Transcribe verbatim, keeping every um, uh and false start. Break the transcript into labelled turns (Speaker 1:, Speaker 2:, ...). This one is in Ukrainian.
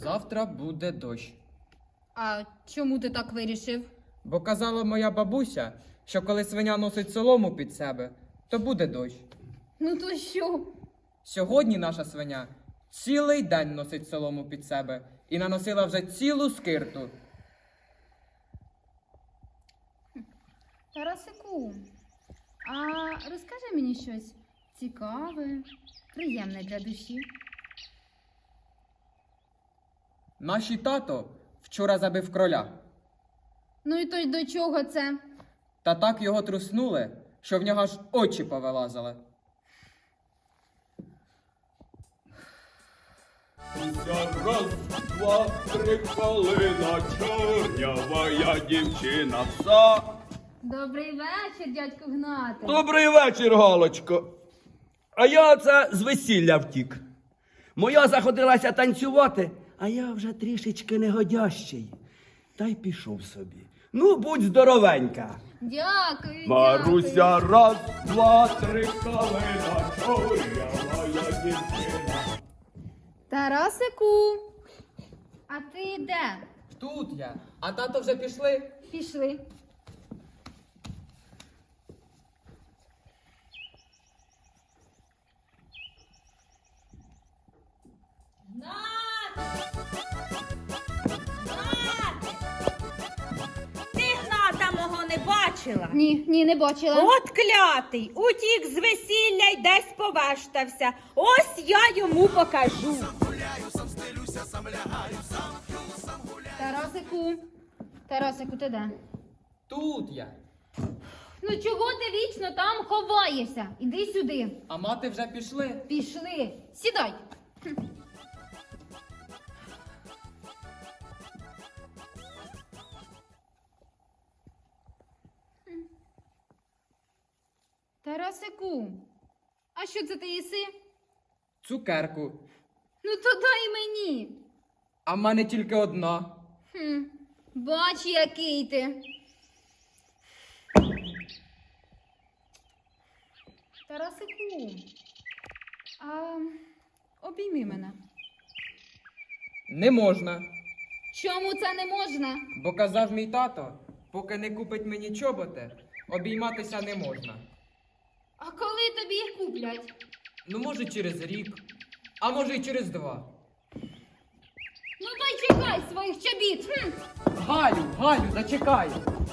Speaker 1: Завтра буде дощ.
Speaker 2: А чому ти так вирішив?
Speaker 1: Бо казала моя бабуся, що коли свиня носить солому під себе, то буде дощ.
Speaker 2: Ну то що?
Speaker 1: Сьогодні наша свиня цілий день носить солому під себе і наносила вже цілу скирту.
Speaker 2: Тарасику, а розкажи мені щось цікаве, приємне для душі.
Speaker 1: Наші тато вчора забив кроля,
Speaker 2: Ну і то й до чого це?
Speaker 1: та так його труснули, що в нього аж очі повилазили.
Speaker 3: Раз, два, три, калина, чорнявая дівчина вся.
Speaker 2: Добрий вечір, дядько Гнате.
Speaker 3: Добрий вечір, Галочко. А я оце з весілля втік. Моя заходилася танцювати, а я вже трішечки негодящий. Та й пішов собі. Ну, будь здоровенька.
Speaker 2: Дякую,
Speaker 3: Маруся,
Speaker 2: дякую.
Speaker 3: раз, два, три, калина, чорнявая дівчина.
Speaker 2: Тарасику, а ти де?
Speaker 1: Тут я, а тато вже пішли.
Speaker 2: Пішли.
Speaker 4: Ти Гната мого не бачила?
Speaker 2: Ні, ні, не бачила.
Speaker 4: От клятий, утік з весілля й десь повештався. Ось я йому покажу.
Speaker 2: Тарасику, Тарасику, ти де?
Speaker 1: Тут я.
Speaker 2: Ну чого ти вічно там ховаєшся? Іди сюди.
Speaker 1: А мати вже пішли.
Speaker 2: Пішли. Сідай. Тарасику, а що це ти їси?
Speaker 1: Цукерку.
Speaker 2: Ну то дай мені.
Speaker 1: А в мене тільки одна.
Speaker 2: Хм, бач, який ти. Тарасику, а обійми мене.
Speaker 1: Не можна.
Speaker 2: Чому це не можна?
Speaker 1: Бо казав мій тато, поки не купить мені чоботи, обійматися не можна.
Speaker 2: А коли тобі їх куплять?
Speaker 1: Ну, може, через рік, а може й через два.
Speaker 2: Ну то й чекай своїх чобіт. Хм.
Speaker 1: Галю, Галю, зачекай.